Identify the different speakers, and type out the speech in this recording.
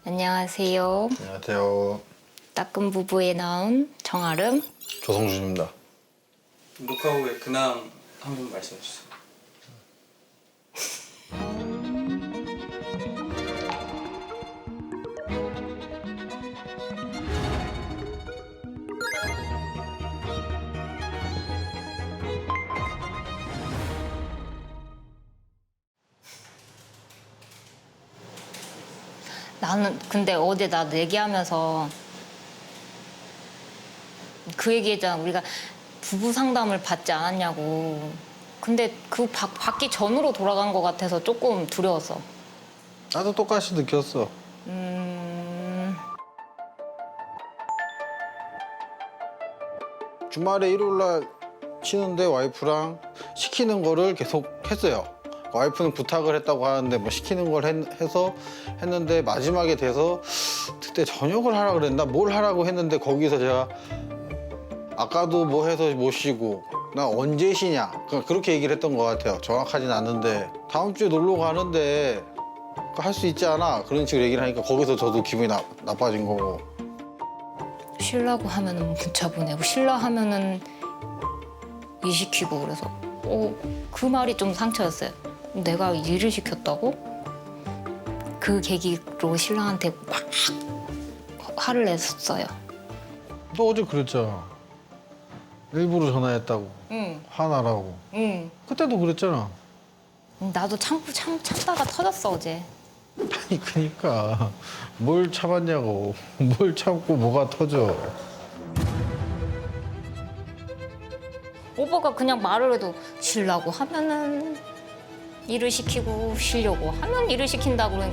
Speaker 1: 안녕하세요.
Speaker 2: 안녕하세요.
Speaker 1: 따끔 부부에 나온 정아름.
Speaker 2: 조성준입니다.
Speaker 3: 녹화 후에 근황 한번 말씀해 주세요.
Speaker 1: 나는 근데 어제 나도 얘기하면서 그 얘기했잖아. 우리가 부부 상담을 받지 않았냐고. 근데 그 받기 전으로 돌아간 것 같아서 조금 두려웠어.
Speaker 2: 나도 똑같이 느꼈어. 주말에 일요일 날 쉬는데 와이프랑 시키는 거를 계속 했어요. 와이프는 부탁을 했다고 하는데 뭐 시키는 걸 해서 했는데 마지막에 돼서 그때 저녁을 하라 그랬나 뭘 하라고 했는데 거기서 제가 아까도 뭐 해서 못 쉬고 나 언제 쉬냐 그렇게 얘기를 했던 것 같아요. 정확하진 않는데 다음 주에 놀러 가는데 할 수 있지 않아? 그런 식으로 얘기를 하니까 거기서 저도 기분이 나빠진 거고.
Speaker 1: 쉬려고 하면은 문자 보내고 쉬려 하면은 일 시키고 그래서 그 말이 좀 상처였어요. 내가 일을 시켰다고? 그 계기로 신랑한테 막 화를 냈었어요.
Speaker 2: 너 어제 그랬잖아. 일부러 전화했다고.
Speaker 1: 응,
Speaker 2: 화나라고.
Speaker 1: 응.
Speaker 2: 그때도 그랬잖아.
Speaker 1: 나도 참다가 터졌어 어제.
Speaker 2: 아니 그니까 뭘 참았냐고. 뭘 참고 뭐가 터져.
Speaker 1: 오빠가 그냥 말을 해도 쉬려고 하면은 일을 시키고 쉬려고 하면 일을 시킨다고